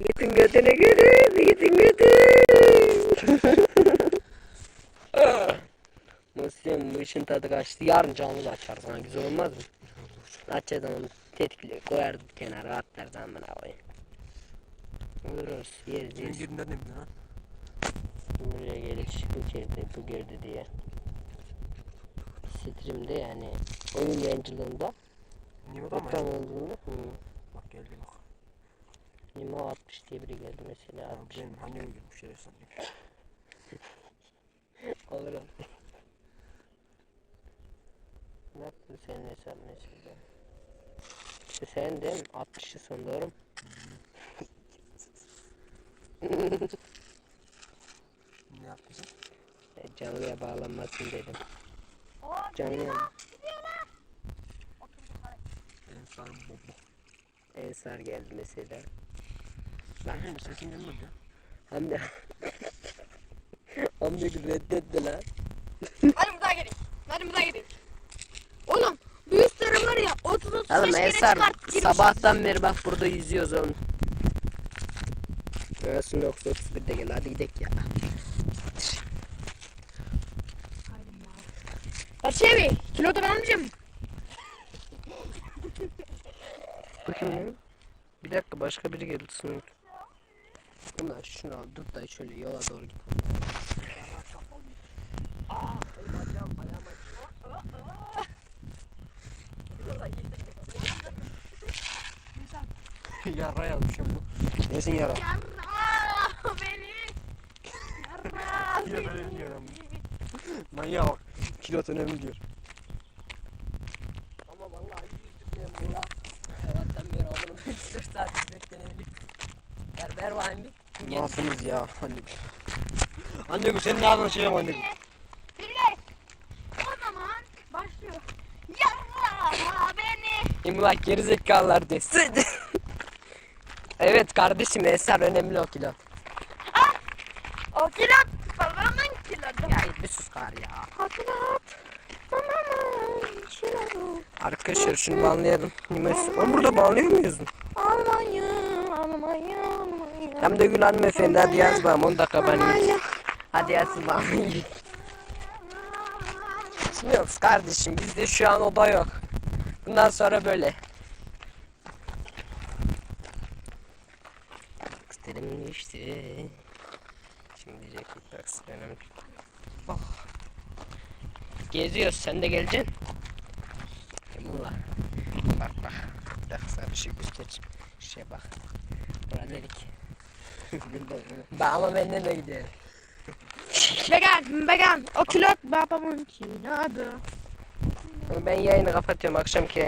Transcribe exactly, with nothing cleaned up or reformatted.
Yiğit'in götüne gülüm. Yiğit'in götü. Muhsin bu işin tadı kaçtı. Yarın canlı da açarız. Ha, güzel olmaz mı? Açacağız onu tetikle koyar kenara atlar zaman abi. Vururuz yeriz Senin yeriz. yerinden ne bileyim ha? Buraya geliş bu girdi bu girdi diye. Stream'de yani oyun yayıncılığında Nimet ama ekran ya. olduğunda hı. Bak geldi bak. Nimo altmış diye biri geldi mesela Ya altmış. benim annem girmiş şeref sandım. Olur olur. Ne yaptın senin hesap mesela? İşte sen değil mi? altmışı son doğru mu? Ne yaptın sen? E, canlıya bağlanmasın dedim. Canlıya Benim sarım bomba. Ensar geldi mesela. Benim sesin gelmedi ya. Hem de hem de reddetti lan. Hadi buradan gelin. Hadi buradan gelin. Oğlum bu üstleri var ya otuz otuz Oğlum beş kere Ensar çıkart. girmiş. sabahtan beri bak burada yüzüyoruz oğlum. Arasında otuz otuz birde gel hadi gidelim ya. Barış abi kilo da ben almayacağım. Bu kim lan? Bir dakika başka biri geldi sınıf. Bunlar şunu al dur da şöyle yola doğru git. Yara yazmışım bu. Nesin yara? Yarra beni. Yarra Yine ben beni. diyorum. Manyak bak. Kilo önemli diyor. Ama vallahi yüzdüm ben buna. Sabahtan beri oğlum dört saat beklenelim. Ver ver bakayım bir. Gel. Nasılsınız ya anne? Anne sen ne anlaşıyorsun anne? Dinle. O zaman başlıyor. Yarra beni. Şimdi bak gerizekalılar desin. Evet kardeşim Ensar önemli o kilo. O kilo. Babamın kilodu. Ya bir sus kar ya. Hatırlat. Babamın kilodu. Arkadaşlar şunu banlayalım. Oğlum burada banlıyor muyuz? Almanya, Almanya, Almanya. Hem de Gül hanımefendi hadi yaz bakalım on dakika banlayayım. Hadi yaz banlayayım. Bilmiyoruz kardeşim bizde şu an oda yok. Bundan sonra böyle. İstedim işte. Şimdi diyecek bir önemli. Oh. Geziyoruz sen de geleceksin. Emullah. Bak bak. Bir dakika sana bir şey göstereceğim. Şuraya bak. Bura delik. Bak ama benden de gidiyor. Vegan, vegan. O kilo babamın kilodu. Ben yayını kapatıyorum akşamki